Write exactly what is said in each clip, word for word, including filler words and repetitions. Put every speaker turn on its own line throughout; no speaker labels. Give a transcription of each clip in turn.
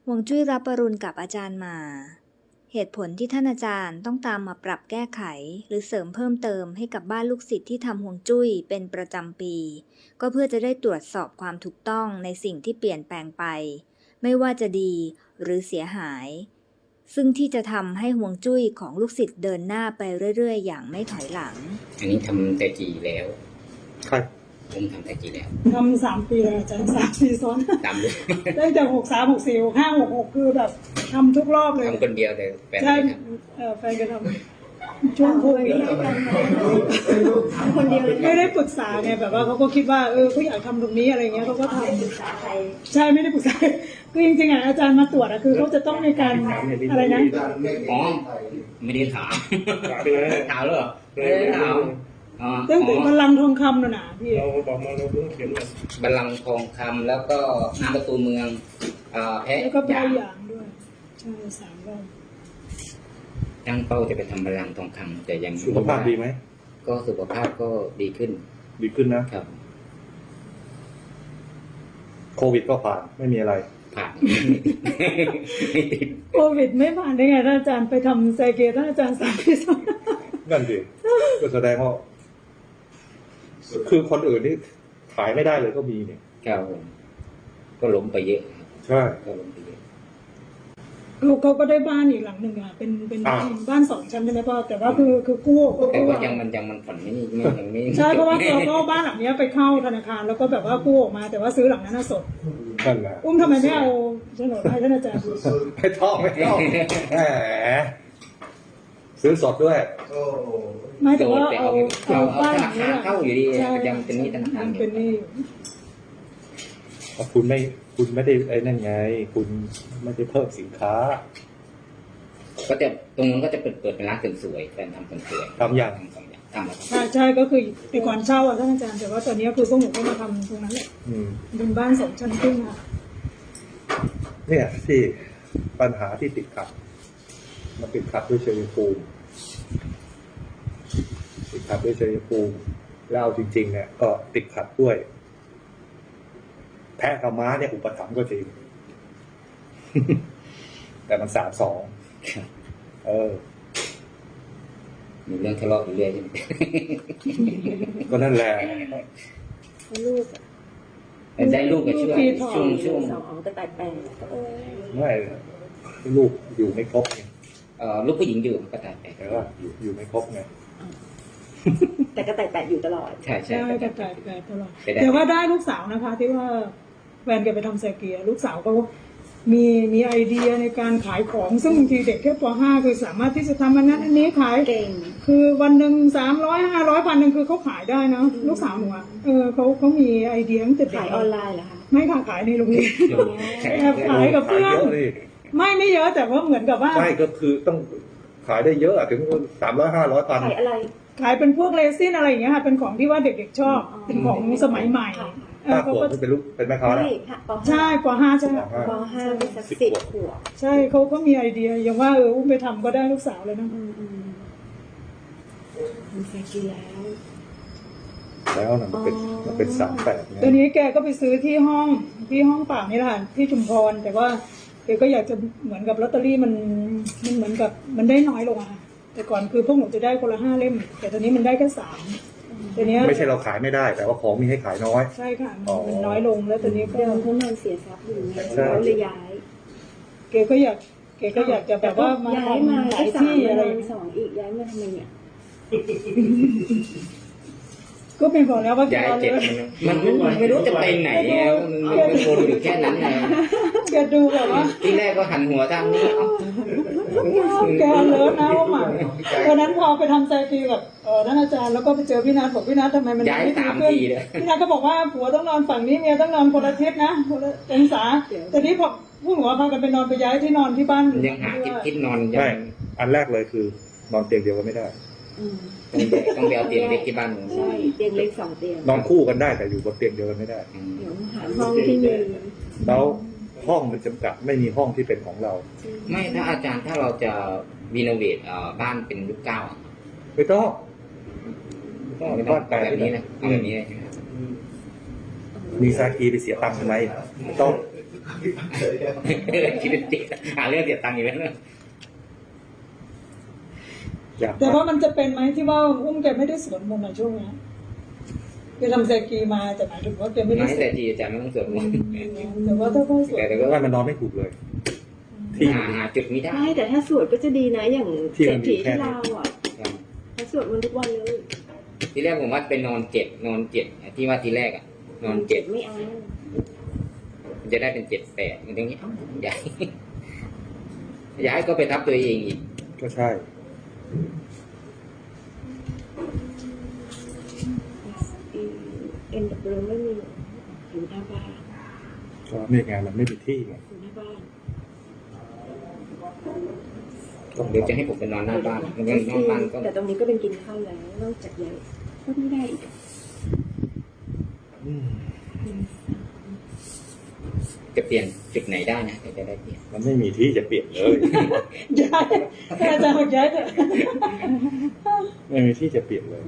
ฮวงจุ้ยรับปรุณกับอาจารย์มาเหตุผลที่ท่านอาจารย์ต้องตามมาปรับแก้ไขหรือเสริมเพิ่มเติมให้กับบ้านลูกศิษย์ที่ทำฮวงจุ้ยเป็นประจำปีก็เพื่อจะได้ตรวจสอบความถูกต้องในสิ่งที่เปลี่ยนแปลงไปไม่ว่าจะดีหรือเสียหายซึ่งที่จะทำให้ฮวงจุ้ยของลูกศิษย์เดินหน้าไปเรื่อยๆอย่างไม่ถอยหลัง
อันนี้ทำแต่จีแล้ว
ครับ
ผมทำแต่จีแล้ว
ทำสามปีเลยอาจารย์สามปีซ้อน
ทำเลย
ได้จากหกสามหกสี่หกห้าหกหกคือแบบทำทุกรอบเลย
ทำคนเดียวเลยแฟน
ใช่
ไม่ท
แฟนก็ทำช่วงโควิดคนเดียวไม่ได้ปรึกษาไงแบบว่าเขาก็คิดว่าเออเขาอยากทำตรงนี้อะไรเงี้ยเขาก็ทำใช่ไม่ได้ปรึกษาคือจริงๆอ่ะอาจารย์มาตรวจอะคือเขาจะต้องในการอะไรนะ
อ๋อไม่ได้ถามถามหรอไม่ได้ถาม
เรื่องบัลลังก์ทองคำน่ะนะพี่
เราบอกมาเราเพิ่งเขียน
บัลลังก์ทองคำแล้วก็น้ำประตูเมืองแพะ
แล้วก็แพะหยางด้วยใช่สามรอบ
ตั้งเป้าจะไปทำบัลลังก์ทองคำแต่ยัง
สุขภาพดีไหม
ก็สุขภาพก็ดีขึ้น
ดีขึ้นนะครับโควิดก็ผ่านไม่มีอะไร
ผ่าน
โควิดไม่ผ่านได้ไงท่านอาจารย์ไปทำไซเกตท่านอาจารย์สามปีซ้อน
นั่นสิก็แสดงว่าคือคนอื่นนี่ขายไม่ได้เลยก็มีเนี่ย
ครับก็ล้มไปเยอะ
ใช่
ก็ล้มไปเยอะ
เขาเขาก็ได้บ้านอีกหลังหนึ่งอ่ะเป็นเป็นบ้านสองชั้นใช่ไหมพ่อแต่ว่าคือคือกู้
แต่ว่ายังมันยังมันผ่อนไม่ไม่ยังไม่
ใช่เพราะว่าเราก็บ้านหลังนี้ไปเข้าธนาคารแล้วก็แบบว่ากู้ออกมาแต่ว่าซื้อหลังนั้นสด
นั่นแหละ
อุ้มทำไมไม่เอาโฉนดให้ท่านอาจารย์
ไม่ต้องไม่ต้องแหมซื้อสดด้วย
ไม่แต่ว่าเอา
เอาบ้านหลังนี้เข้าอยู่ดียังเป็นหนี้ธนาคาร
เป็นหนี้
คุณไม่คุณไม่ได้ไอ้นั่นไงคุณไม่ได้เพิ่มสินค้า
ก็จะตรงนั้นก็จะเปิดเปิดเป็นร้านเสริมสวยแฟนทำเสริมสวย
ทำอย่าง
ทำแล้ว
ใช่ใช่ก็คือแต่ก่อนเช่าอ่ะท่านอาจารย์แต่ว่าตอนนี้คือพวกหนูก็มาทำตรงนั้นแหละเป็นบ้านสองชั้นครึ่งค่ะ
เนี่ยที่ปัญหาที่ติดขัดมันติดขัดด้วยชัยภูมิติดขัดด้วยชัยภูมิแล้วจริงๆเนี่ยก็ติดขัดด้วยแพะกับม้าเนี่ยอุปถัมภ์ก็จริงแต่มันสามสองเออ
มีเรื่องทะเลาะอยู่เรื่อยใช่ไหม
ก็นั่นแหละ
ลูก
ได้ลูกก็ช่วยช่วงช่วง
สองก็ตายแปด
ไม่ลูกอยู่ไม่ครบไง
เอ่อลูกผู้หญิงอยู่ก็ตายแปด
แต่ว่าอยู่อยู่ไม่ครบไง
แต่ก็ตายแปดอยู่ตลอด
ใช่ใช่
ก็ตายแปดตลอดแต่ว่าได้ลูกสาวนะคะที่ว่าแฟนแกไปทำไซเกียลูกสาวก็มีมีไอเดียในการขายของซึ่งบางทีเด็กแค่ป ห้าคือสามารถที่จะทำอันนั้นอันนี้ขาย
เก่ง
คือวันหนึ่งสามร้อยห้าร้อยพันหนึ่งคือเขาขายได้นะลูกสาวหนูอ่ะเออเขาเขามีไอเดียตั้งแต่
ขายออนไลน์เหรอคะ
ไม่ค่ะขายในโรงเรียนแอบขายกับเพื่อนไม่ไม่เยอะแต่ว่าเหมือนกับว่า
ใช่ก็คือต้องขายได้เยอะถึงสามร้อยห้าร้อยพัน
ขายอะไร
ขายเป็นพวกเรซินอะไรอย่างเงี้ยค่ะเป็นของที่ว่าเด็กๆชอบเป็นของสมัยใหม่
เขาก็เป็นลูกเป็นแม่ค้าแล้ว
ใช่ป ห้าใช่
ป ห้าเป็นสักสิบขวบ
ใช่เขาก็มีไอเดียอย่างว่าเอออุ้มไปทำก็ได้ลูกสาวเลยนะ
มีแฟนกินแล้ว
แล้วนะมันเป็นมันเป็นสามแปด
ตอนนี้แกก็ไปซื้อที่ห้องที่ห้องป่านี่แหละที่ชุมพรแต่ว่าแกก็อยากจะเหมือนกับลอตเตอรี่มันมันเหมือนกับมันได้น้อยลงอะแต่ก่อนคือพวกหนูจะได้คนละห้าเล่มแต่ตอนนี้มันได้แค่สามตอนนี้
ไม่ใช่เราขายไม่ได้แต่ว่าของมีให้ขายน้อย
ใช่ค่ะมันน้อยลงแล้วตอนนี้ก็
เดิมเขานอนเสียทรัพย์อยู่ไงเขาเลยย้าย
แกก็อยากแกก็อยากจะแบบว่า
มาย้ายมาหลายที่อะไรสองอีกย้ายมาทำไมเนี่ย
ก็เป็นบอกแล้วว่า
ย้ายเจ็บมันมันไม่รู้จะไปไหนแล้วมันวนอยู่แค่นั้นไง
แกดูแบบว่า
ที่แรกก็หันหัวทางนี้
แกเลิศนะว่าหมาตอนนั้นพอไปทำไซตีกับเออท่านอาจารย์แล้วก็ไปเจอพี่นัทบอกพี่นัททำไมมัน
ไม่ดีขึ้น
พี่นัทก็บอกว่าผัวต้องนอนฝั่งนี้เมียต้องนอนคนละทิศนะคนละองศาแต่นี้พอผู้หัวพากันไปนอนไปย้ายที่นอนที่บ้าน
ยังหาทิศทิศนอน
ไม่อันแรกเลยคือนอนเตียงเดียวกันไม่ได้
ต้องไปเอาเตียงเล็กที่บ้าน
ใช่เตียงเล็กสองเตียง
นอนคู่กันได้แต่อยู่บนเตียงเดียวกันไม่ได้
เดี๋ยวหาห้องที่มี
แล้วห้องมันจำกัดไม่มีห้องที่เป็นของเรา
ไม่ถ้าอาจารย์ถ้าเราจะรีโนเวทบ้านเป็นยุคเก้า
ไม่ต้อง
ก็บ้านแบบนี้นะแบบนี้
มีซากีไปเสียตังค์ทำไมไม่ต้อง
คิดจริงหาเรื่องเสียตังค์อยู่แล้วเนี่ย
อยาก
แต่ว่ามันจะเป็นไหมที่ว่าอุ้มแกไม่ได้สวดมนต์ในช่วงนี้แกทำแซกีมาแต่หมายถึงว่าแกไม่ได้
ไม่
สว
แต่
ด
ทีอาจารย์ไม่ต้องสวดมนต์
แต่ว่าถ้าเขาสวด
แต่แต่ก็
ว่ามันนอนไม่ถูกเลย ที่
หาหาจุดไม่ได้
ใช่แต่ถ้าสวดก็จะดีนะอย่าง
ที่
เศร
มั
ษ
นมี
ฐี
แค่
ที่
นี้
เราอ่ะเขาสวดมันทุกวันเลย
ที่แรกผมว่าเป็นนอนเจ็ดนอนเจ็ดที่ว่าทีแรกอ่ะ นอนเจ็ด
ไม่เอา
มันจะได้เป็นเจ็ดแปดมันตรงนี้เอ้าย้ายย้ายก็ไปทับตัวเองอีก
ก็ใช่
เอ็นดับเบิลไม่มีอยู่หน้าบ้าน
ก็ไม่ไงมันไม่มีที่ไง
อยู่หน้าบ้าน
เดี๋ยวจะให้ผมไปนอนหน้าบ้านมันก็นอนบ้านก็
แต่ตรงนี้ก็เป็นกินข้าวแล้วนอกจากย้ายก็ไม่ได้อีก
อืม
จะเปลี่ยนจุดไหนได้นะจะได้เปลี่ยน
มันไม่มีที่จะเปลี่ยนเลย
ย้ายให้อาจารย์บอกย้ายเถอะ
ไม่มีที่จะเปลี่ยนเลย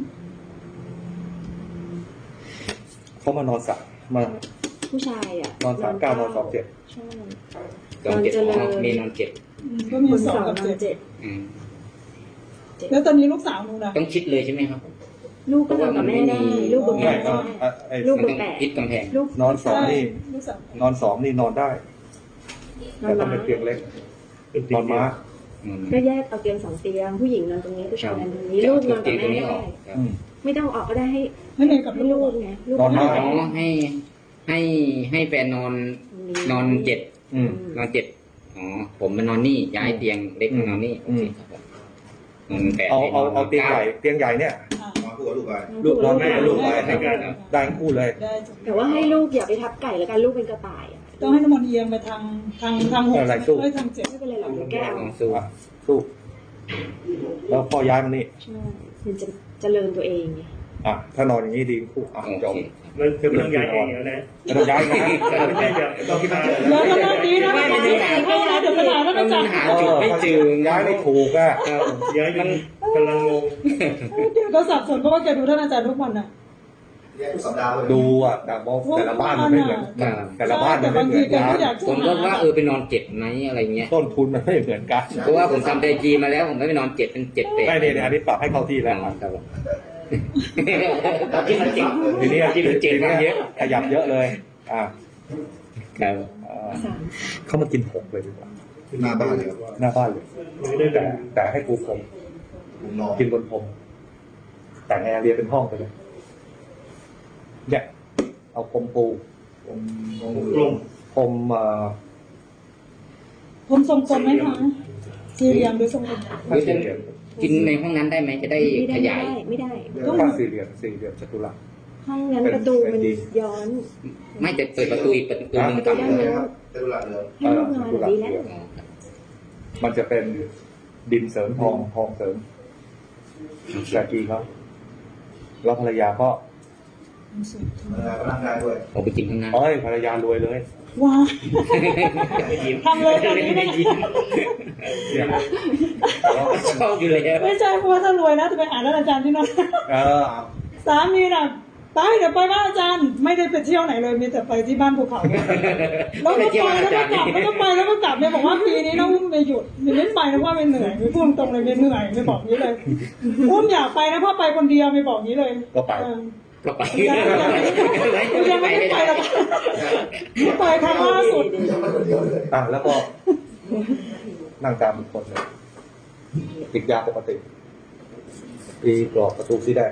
เขามานอนสักมา
ผู้ชายอ่ะ
นอนสามเก้านอนสองเจ็ด
ใช่
นอนเจ็ดอ๋อมีนอนเจ็ด
ก็มี
คน
ส
ส
อ
อง ง
กับ
นอน
เจ็ด
เจ็ด
อืม
แล้วตอนนี้ลูกสาวหนูนะ
ต้องคิดเลยใช่ไหมครับ
ลูกก็นอนกับแม่ได้ลูกบน
ไม่
แม่
ก็
ได้
อ่ะไอ้
ลูก
มันต้องคิดกำแพง
ลูก
นอนสองนี่
ลูกสาวน
อนสองนี่นอนได้
นอ
แต่
น
ต้อง
ม้า
เป็นเตียงเล็กนอนม้า
อืม
ก็แยกเอาเตียงสองเตียงผู้หญิงนอนตรงนี้ผู้ชายนอนตรงนี้
จะ
ลู
เอา
กนอน
เตี
กับ
ยงตรง
แม่
นี้อ
ได้
อกครับ
อืม
ไม่ต้องออกก็ได้ให้
ไม่เนยกับ
ให้
ลู
ลู
ก
กไงลูก
นอนม้า
อ๋อให้ให้ให้แฟนนอนนอนเจ็ด
อืม
นอนเจ็ดอ๋อผมมานอนนี่ย้ายเตียงเล็กมานอนนี่โอเคครับผมนอนแปด
เอาเอา
ให้น
เอาเตียงใหญ่เตียงใหญ่เนี่ย
อ่ะ
มาคู่กับลูกไป
ลูกนอนแม่กับลูกไป
ได้ได้
ได้ทั้งคู่เลย
ได้จ้ะ
แต่ว่าให้ลูกอย่าไปทับไก่แล้วกันลูกเป็นกระต่ายอ่ะ
ต้องให้น้ำมันต์เอียงไปทางทางทางหก
อะไรสู้
เอ้ยทางเจ็ด
ไม่เป็นไรหรอกเดี๋ยวแก้เอา
ลองสู้
อ่ะสู้แล้วพอย้ายมานี่
ใช่มันจะเจริญตัวเองไง
อ่ะถ้านอนอย่างนี้ดีคู่อ่ะ
โอ
จบ
เค
มันคือมันต้องย้ายเองแล้วนะ
ไม่ต้องย้ายนะ
ไม่ใช่แบบต้องคิดมา
เดี๋ยวก็เริ่มดีนะไม่ไม่ไม่ไม่นะเดี๋ยวขนาดนั้น
มั
อาน จารย์
หาจุดไม่เจอ
ย้ายไม่ถูกอ่ะ
ครับ
ย้ายมันกำลังงง
เดี๋ยวก็สับสนเพราะว่าแกดูท่านอาจารย์ทุกวันน่ะ
แยกทุกสัปดาห์เลย
ดูอ่ะแต่ว่าแต่ละบ้านมันไม่เหมือนกันแต่ละบ้านมันไม่เหมือน
แต่
กับ
างทีแกก็อยา
น
กจะ
ผมก็ว่าเออไปนอนเจ็ดไหมอะไรเงี้ย
ต้นทุนมันไม่เหมือนกัน
เพราะว่าผมทำไดจีมาแล้วผมไม่ไปนอนเจ็ดเป็นเจ็ดแปด
ไม่เนี่ยเนี่ยอันนี้ปรับให้เข้าที่แล้วอ่ะ
ครับผมตอนที่มันจริง
ทีนี้
ที่มันเจ็ด
ที
มา
นี้
เยอะ
ขยับเยอะเลย อ่า
ครับ
สาม
เขามากินหกเลยดีกว่า
หน้าบ้านเลยครับ
หน้าบ้านเลย
ไม่ได้แบ
แต่
บ
แต่ให้ปูพรม
ผมนอน
กินบนพรมแต่งแอร์เรียเป็นห้องไปเลยเนี่ยเอาพรมปู
ผมผม
กลม
พรมเอ่อ
ผมทรงกลมไหมคะสี่เหลี่ยมหรือทรงกลม
ผ้าสี่เหลี่ยม
กินในห้องนั้นได้ไหมจะได้
ไม่
ข
ได้
ยาย
ไม่ได้
ผ้าสี่เหลี่ยมสี่เหลี่ยมจัตุรัส
ห้องนั้นประตูมันย้อน
ไม่แต่เปิดประตูอีกประตูหนึง
ประ
ก
ตู
ลับ
ด้าน
เลย
โน้น
ครับเจดุลาเดิม
ให้ลูกนอนแบบนี้แล้ว
อ๋อครับ
มันจะเป็นดินเสริมทองทองเสริมแกกีเขาแล้วภรรยาก็
เออร่างกายด้วย
ผมไปกินข้างหน้า
เอ้ยภรรยารวยเลย
ว้าทำเลยตอนนี้
ไม่ได้
นะ
ยิน
เนี่ย
ชอบอยู่เลย
ไม่ใช่เพราะว่าถ้ารวยนะจะไปหาท่านอาจารย์ที่นั่น
เออ
สามีน่ะไปเดี๋ยวไปบ้านอาจารย์ ไม่ได้ไปเที่ยวไหนเลยมีแต่ไปที่บ้านภูเขาแล้วก็ไปแล้วก็กลับแล้วก็ไปแล้วก็กลับเนี่ยบอกว่าปีนี้นะอุ้มไม่หยุดไม่เล่นไปนะเพราะไม่เหนื่อยไม่พูดตรงเลยไม่เหนื่อยไม่บอกนี้เลยอุ้มอยากไปนะเพราะไปคนเดียวไม่บอกนี้เลย
ก็ไป
เออ
ก็ไป
ยังไม่ได้ไปหรอกไม่ไปครั้งล่าสุด
อ่ะแล้วก็นั่งตามอีกคนเลยติดยาปกติตีกรอบประตูสีแดง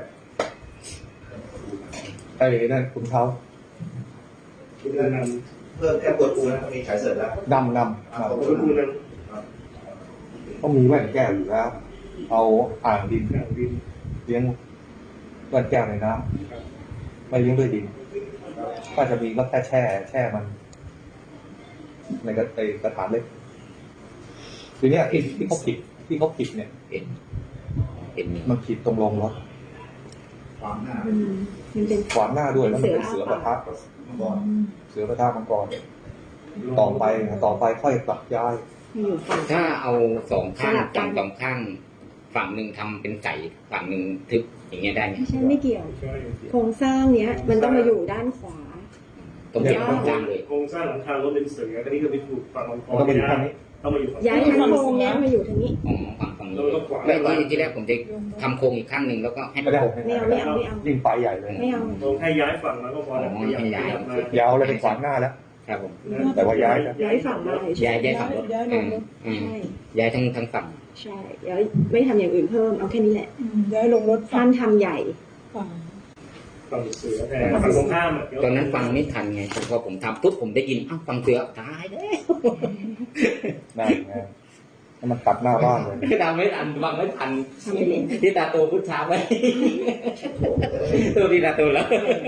ไอ้นั่นคุณเขา
เพิ่มแค่ปวดปูนะมีฉายเสร็จแล้ว
ดำนำ
อ่าขอบ
นำ
คุณนะ
ต้องมีแว่นแก้วอยู่แล้ว เอาอ่างดินเลี้ยงแว่นแก้วในน้ำไม่เลี้ยงด้วยดินก็จะมีก็แค่แช่ แช่มัน ในกระในกระถางเล็กทีเนี้ยที่ที่เขาผิดที่เขาผิดเนี่ย
เห็นเห็น
มันผิดตรงลงรถ
ความหน้า
อืมมันเป็น
ขวางหน้าด้วยแล้วมันเป็นเสือประทับ
มังกร
เสือประทับมังกรต่อไปต่อไปค่อยปรับย้าย
อยู่ฝั่ง
ถ้าเอาสองข้าง
สลับกัน
ฝั่งสองข้าง ฝั่งหนึ่งทำเป็นไก่ฝั่งหนึ่งทึบอย่างเงี้ยได้ไหม
ไม่ใช่ไม่เกี่ยว โครงสร้างเนี้ย มันต้องมาอยู่ด้านขวา
ตรงเจ็ดตรงกลางเลย
โครงสร้างหลังคารถเป็นเสือก็นี่คือไปถูกฝั่งมังก
มัน
ร
ต้องมาอยู่ข้างนี้
ต้องมาอยู่ฝั่ง
ย้ายทั้งโครงเนี้ยมาอยู่ทางนี้
อ๋อฝั่งฝั่งนี้ไม่ที่ที่แรกผมจะทำโครงอีกข้างหนึ่งแล้วก็ให้
ไม่
มัน
ได้
โครง
ไม่เอาไม่เอาไม่เอา
ยิ่งไปใหญ่เลย
ไม่เอา
ตรงให้ย้ายฝั่งแล้วก็พอแล้วขยับขยับมาย
าวเลยเป็นขวางหน้าแล้ว
ครับผม
แต่ว่าย้ายนะ
ย้ายฝั่งมาเฉ
ย้าย
ย
ย้ายฝั่งรถ
ย้ายล
อื
ง
ม
รถ
อืม
ใช่
ย้ายทั้งทั้งฝั่ง
ใช่ย้ายไม่ทำอย่างอื่นเพิ่มเอาแค่นี้แหละ
อืมย้ายลงรถ
ห้ามทำใหญ่
ฝั่ง
ฝั่งเสือแต่ฝั่งตรงข้ามอะ
ตอนนั้นฟังไม่ทันไงพอผมทำปุ๊บผมได้ยินอ้าวฟังเสือตายแล้ว
นั่นไงแล้วมันตัดหน้าบ้านเลย
ตามไม่ทันฟังไม่ทัน
ทำไปเลย
ที่ตาโตพุทธาไว้ตัวที่ตาโตแล้ว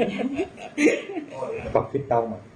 ปรับทิศเตามา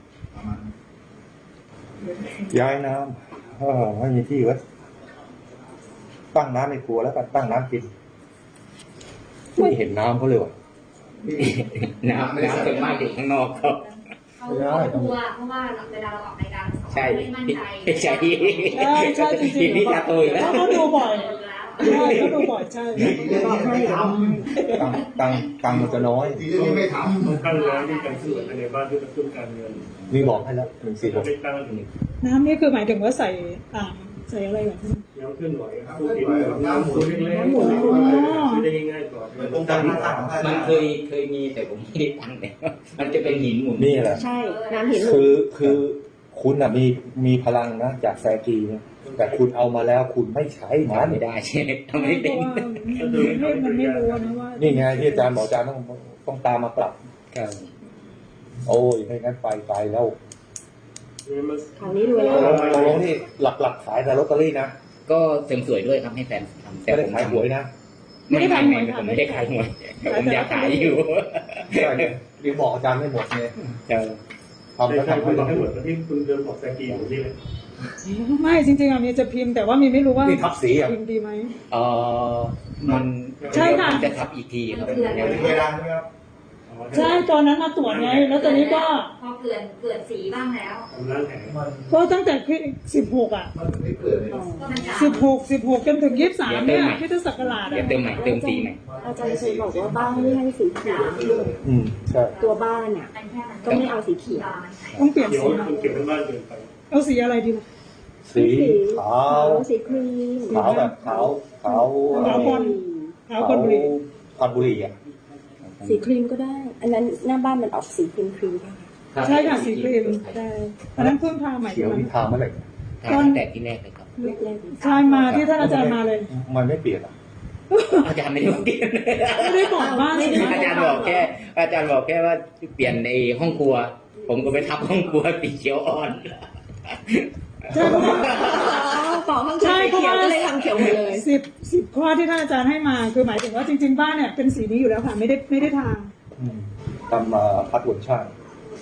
ย้ายน้ำเออไม่มีที่ไว้ตั้งน้ำในครัวแล้วกันตั้งน้ำกินไม่เห็นน้ำเขาเลยว่ะ
น้ำน้ำเป็นมากอยู่ข้างนอกครับ
เขากลัวเพราะว่าเวลาเราออกรายการสอง
ใช่
ไม่มั่นใจ
ใช่
ใช่ใช่จริง
ที
ๆ
นี้ตาโตอยู่
แล้
แล้ว ว
เขาดูบ่อย
แล้ว
ใช่เขาดูบ่อยใช่
บอกให้เอา
ตังตังตังมันจะน้อย
ทีนี้ไม่ทำ
ต้องตั้งร้านที่การซื้อภายในบ้านเพื่อกระตุ้นการเงิน
มีบอกให้แล้วหนึ่งสี่หก
ไม่ตั้ง
น้ำนี่คือหมายถึงว่าใส่อ่างใส่อะไรแบบนี้
ย้ำขึ้นไหวตู้ดินน้ำหมุนเล็กๆซื้อได้ง่ายๆก่อน
เหมือนองค์การพิทักษ์ของท่าน
มันเคยเคยมีแต่ผมไม่ได้ตั้งเลยมันจะเป็นหินหมุน
นี่แหละ
ใช่น้ำเห็นหมด
คือคือคุณอ่ะมีมีพลังนะจากแซกีเนี่ยแต่คุณเอามาแล้วคุณไม่ใช้มัน
ไม่ได้ใช่ไหมทำไม่
เพ
เป็น
ราะว่ามันไม่รู้นะว่า
นี่ไงที่อาจารย์บอกอาจารย์ต้องต้องตามมาปรับ
ครับ
โอ้ยไม่งั้นไปไปแล้ว
คราวนี้รวยแล้ว
ตกลงตกลงที่หลักๆขายแต่ลอตเตอรี่นะ
ก็เสริมสวยด้วยครับให้แฟนทำ
ไม่ได้ขายหวยนะ
ไม่ได้ขายหวยผมไม่ได้ขายหวยผมอยากขายอยู่
ใช่เดี๋ยวบอกอาจารย์ไม่หมดไง
เออ
ทำแล้ว
ใช่
ทำ
คุณบอก
ให้
ให้
ห
ห
ม
ม
ด
ดที่คุณเดินบอกแซกีอยู่นี่เลย
ไม่จริงๆอ่ะมีจะพิมพ์แต่ว่ามีไม่รู้ว่า
นี่ทับสีอ่ะ
พิมพ์ดีไหม
เออมัน
ใช่ค่ะ
มันจะทับอีกทีครับ
ยังไม่ได้ใช่ไหมครับ
ใช่ตอนนั้นมาตรวจไงแล้วตอนนี้ก็
พอเกลื่อนเกลื่อนสีบ้างแล้ว
ทำร้านแผง
ก็ตั้งแต่สิบหกอ่ะ
มันไม่เกิดเลย
ก็มันจาง
สิบหกสิบหกจนถึงยี่สิบสามเนี่ยที่ทศักราช
เดี๋ยว
อ่ะ
เติมใหม่เติมสีใหม่
อาจารย์เคยบอกว่าบ้านไม่ให้สีเขียว
อืมใช่
ตัวบ้านเนี่ย
มันแค่มัน
ก็ไม่เอาสีเขียว
ต้องเปลี่ยน
เขียว
สีใหม่
คุณเก็บเป็นบ้านเกินไป
เอาสีอะไรดีล่ะ
สีขาว
สีครีม
ขาวแบบขาวขาว
ขาว
เ
บอลขาวคนบุรี
ควันบุหรี่อ่ะ
สีครีมก็ได้ อันนั้นหน้าบ้านมันออกสีครีมครีม
ใช่ค่ะสีครีมใช่อันนั้นเพิ่งทาใหม่
เขียวที่ทาเมื่อไหร่
ตั้งแต่ที่แรกเลยครับ
แรก
ใช่มาที่ท่านอาจารย์มาเลย
มันไม่เปลี่ยนอ่ะ
อาจารย์ไม่ได้บอกเปลี่ยน
ไม่ได้บอกว่า
อาจารย์บอกแค่ อาจารย์บอกแค่ว่าเปลี่ยนในห้องครัว ผมก็ไปทับห้องครัวสีเขียวอ่อน
ใช่เพราะว่า
ๆบอกห้องเขียวเขียวก็เลยทำเขียวหมดเลย
สิบสิบข้อที่ท่านอาจารย์ให้มาคือหมายถึงว่าจริง ๆ บ้านเนี่ยเป็นสีนี้อยู่แล้วค่ะไม่ได้ไม่ได้ทา
อืมทำมาพัดวนช่าง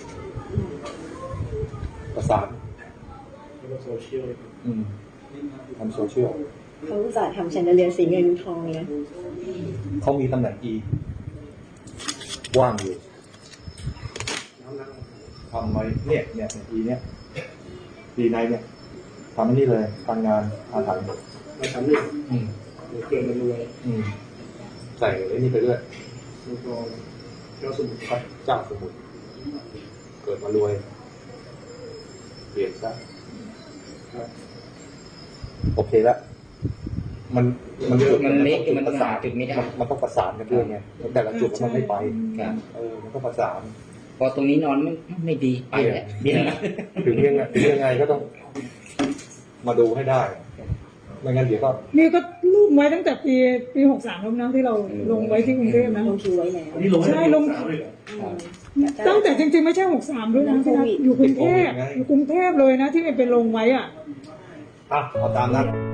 ประสาน
โซเชียล
อืมทำโซเชียล
เขาอุตส่าห์ทำแชนเดอเลียร์สีเงินทองเลย
เขามีตำแหน่ง E ว่างอยู่ทำไว้เนี่ยเนี่ย E เนี่ย E ในเนี่ยทำอันนี้เลยการงานอาถรรพ์
มาทำหนึ่ง
อืม
เกินมันรวย
อืมใส่ไอ้นี่ไปด้วย
มังกรเจ้าสมุทร
พระเจ้าสมุทรเกิดมารวย เปลี่ยนซะ
ครับ
โอเคแล้วมันมันจุด
มันไม่
ต้อง
มัน
ประสาน
จุดไม่ได้
นมันต้องประสานกันด้วยไงแต่ละจุดมันไม่ไป
ครับ
เออมันต้องประสาน
พอตรงนี้นอนไม่ไม่ดีไปแล้วเบี้ย
ถึงยังไงถึงยังไงก็ต้องมาดูให้ได้ ไม่งั้นเดี๋ยวก็
นี่ก็รูปไว้ตั้งแต่ปีปีหกสามแล้วนะที่เราลงไว้ที่กรุงเทพนะ
ลงคิวไว้แล้ว
อันนี้ลงให้ลงสามเลยเหรอ
ตั้งแต่จริงๆไม่ใช่หกสามด้วยนะที่รักอยู่กรุงเทพอยู่กรุงเทพเลยนะที่มันเป็นลงไว้อ่ะ
อ่ะเอาตามนั้น